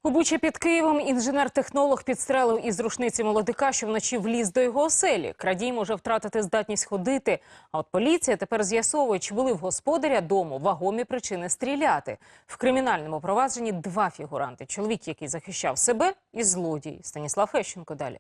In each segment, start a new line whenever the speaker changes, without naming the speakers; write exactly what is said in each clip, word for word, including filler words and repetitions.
У Бучі під Києвом інженер-технолог підстрелив із рушниці молодика, що вночі вліз до його оселі. Крадій може втратити здатність ходити. А от поліція тепер з'ясовує, чи були в господаря дому вагомі причини стріляти. В кримінальному провадженні два фігуранти. Чоловік, який захищав себе, і злодій. Станіслав Фещенко далі.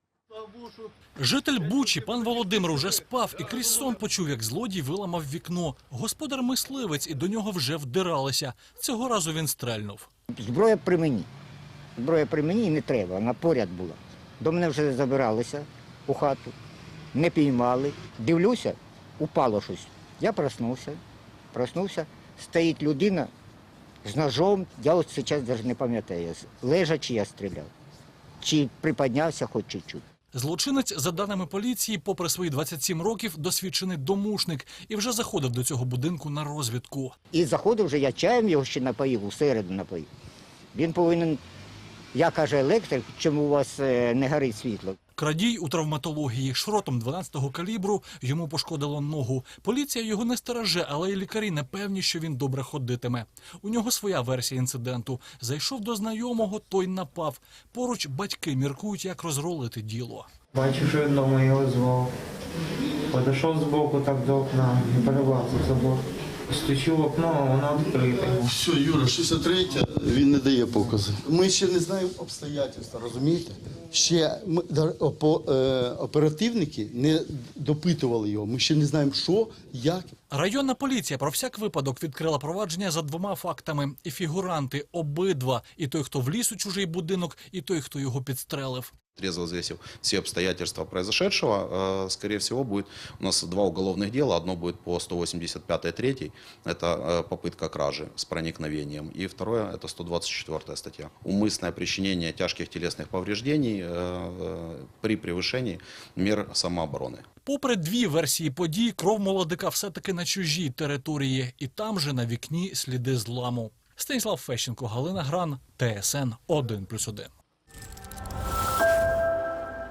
Житель Бучі, пан Володимир, уже спав і крізь сон почув, як злодій виламав вікно. Господар мисливець, і до нього вже вдиралися. Цього разу він стрельнув.
Зброя при мені. Зброя при мені і не треба, вона поряд була. До мене вже забиралися у хату, не піймали. Дивлюся, упало щось. Я проснувся, проснувся, стоїть людина з ножом, я ось зараз навіть не пам'ятаю, лежачи я стріляв. Чи приподнявся хоч чуть-чуть.
Злочинець, за даними поліції, попри свої двадцять сім років, досвідчений домушник і вже заходив до цього будинку на розвідку.
І заходив вже, я чаєм його ще напоїв, усереду напоїв. Він повинен, я каже, електрик, чому у вас не горить світло.
Крадій у травматології. Шротом дванадцятого калібру йому пошкодило ногу. Поліція його не стереже, але й лікарі не певні, що він добре ходитиме. У нього своя версія інциденту. Зайшов до знайомого, той напав. Поруч батьки міркують, як розрулити діло.
Бачу, що він дома його звав. Подійшов збоку так до окна і перелазив забор. Стучу в окно, а воно відкрите.
Все, Юра, шістдесят третя, він не дає покази. Ми ще не знаємо обстоятельства, розумієте? Ще ми, по, е, оперативники не допитували його. Ми ще не знаємо, що, як.
Районна поліція про всяк випадок відкрила провадження за двома фактами. І фігуранти обидва. І той, хто вліз у чужий будинок, і той, хто його підстрелив.
Трезво взвесив все обстоятельства произошедшего, скорее всего, будет у нас два уголовных дела. Одно будет по сто восемьдесят пятой третьей, это попытка кражи с проникновением. И второе, это сто двадцать четвёртая статья. Умысное причинение тяжких телесных повреждений при превышении мер самообороны.
Попри дві версії подій, кров молодика все-таки на чужій території. І там же на вікні сліди зламу. Станіслав Фещенко, Галина Гран, Т С Н один плюс один.